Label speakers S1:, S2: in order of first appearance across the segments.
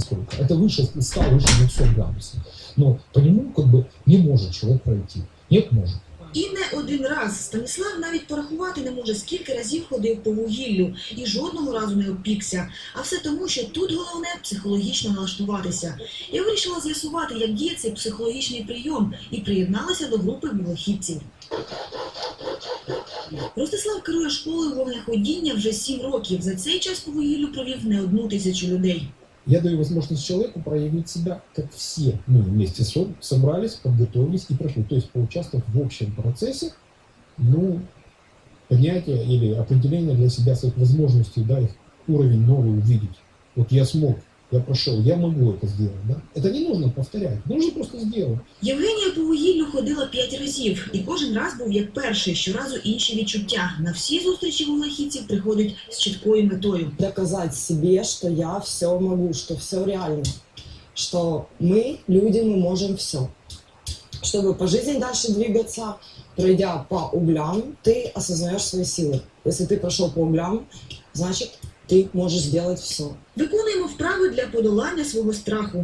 S1: насколько. Это выше 100, выше 200 градусов. Но по нему как бы не может человек пройти. Нет, может.
S2: І не один раз. Станіслав навіть порахувати не може, скільки разів ходив по вугіллю і жодного разу не обпікся. А все тому, що тут головне психологічно налаштуватися. Я вирішила з'ясувати, як діє цей психологічний прийом, і приєдналася до групи вуглехідців. Ростислав керує школою вогнеходіння вже 7 років. За цей час по вугіллю провів не 1000 людей.
S1: Я даю возможность человеку проявить себя, как все мы вместе собрались, подготовились и прошли. То есть поучаствовать в общем процессе, поднятия или определения для себя своих возможностей, да, их уровень новый увидеть. Вот я смог, я прошел, я могу это сделать. Да? Это не нужно повторять, нужно просто сделать.
S2: Євгенія по вугіллю ходила 5 разів, і кожен раз був як перший, щоразу інші відчуття. На всі зустрічі вуглехідців приходять з чіткою метою.
S3: Доказать себе, что я все могу, что все реально, что мы, люди, мы можем все. Чтобы по жизни дальше двигаться, пройдя по углям, ты осознаешь свои силы. Если ты прошел по углям, значит, ты можешь сделать все.
S2: Виконуємо вправи для подолання свого страху.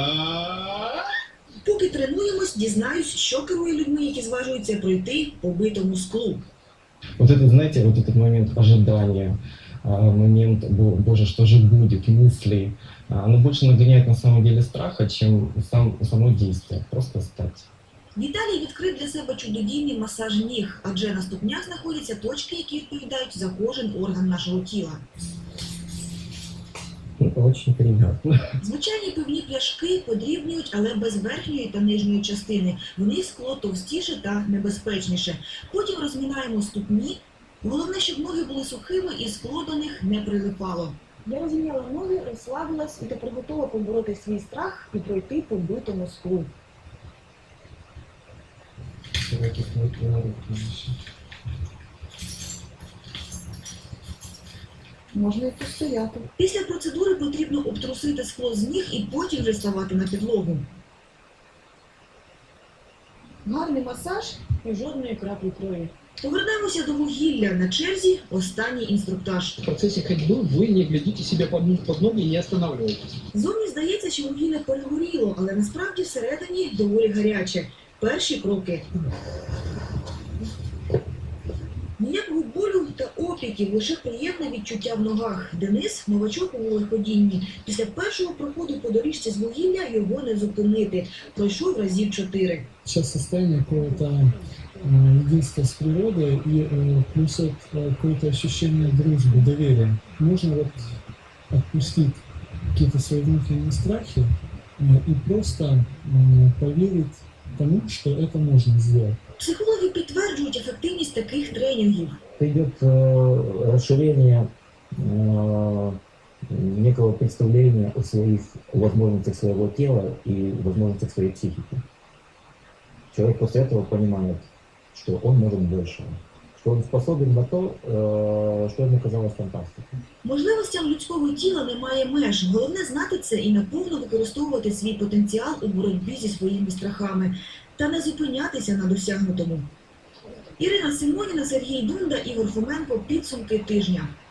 S2: Поки тренуємось, дізнаюсь, що керує людьми, які зважуються пройти по битому склу.
S4: Вот это, знаете, вот этот момент ожидания, момент, боже, что же будет, мысли, оно больше нагоняет на самом деле страха, чем само действие, просто стать.
S2: Віталій відкрив для себе чудодійний масаж ніг, адже на ступнях знаходяться точки, які відповідають за кожен орган нашого тіла.
S4: Очень приятно.
S2: Звичайні пивні пляшки подрібнюють, але без верхньої та нижньої частини. В них скло товстіше та небезпечніше. Потім розмінаємо ступні. Головне, щоб ноги були сухими і скло до них не прилипало. Я розміняла ноги, розслабилась і тепер готова побороти свій страх і пройти по битому склу. Можна і постояти. Після процедури потрібно обтрусити скло з ніг і потім вже ставати на підлогу. Гарний масаж і жодної краплі крові. Повернемося до вугілля. На черзі останній інструктаж.
S5: В процессе ходьбы вы не глядите себе под ноги и не останавливаетесь.
S2: Зовні здається, що вугілля перегоріло, але насправді всередині доволі гаряче. Перші кроки. Ніякого болю та опіків, лише приємне відчуття в ногах. Денис – новачок у вуглеходінні. Після першого проходу по доріжці з вугілля його не зупинити. Пройшов разів 4.
S1: Сейчас состояние какого-то единства с природой и плюс какое-то ощущение дружбы, доверия. Можно вот отпустить какие-то свои внутренние страхи и просто поверить тому, что это можно сделать.
S2: Психологи підтверджують ефективність таких тренінгів.
S4: Идет расширение некого представления о своих возможностях своего тела и возможностях своей психики. Человек после этого понимает, что он может больше, что он способен на то, что ему казалось фантастикой.
S2: Можливостям людського тіла немає меж. Головне знати це і наповно використовувати свій потенціал у боротьбі зі своїми страхами. Та не зупинятися на досягнутому. Ірина Симоніна, Сергій Дунда, Ігор Фоменко. Підсумки тижня.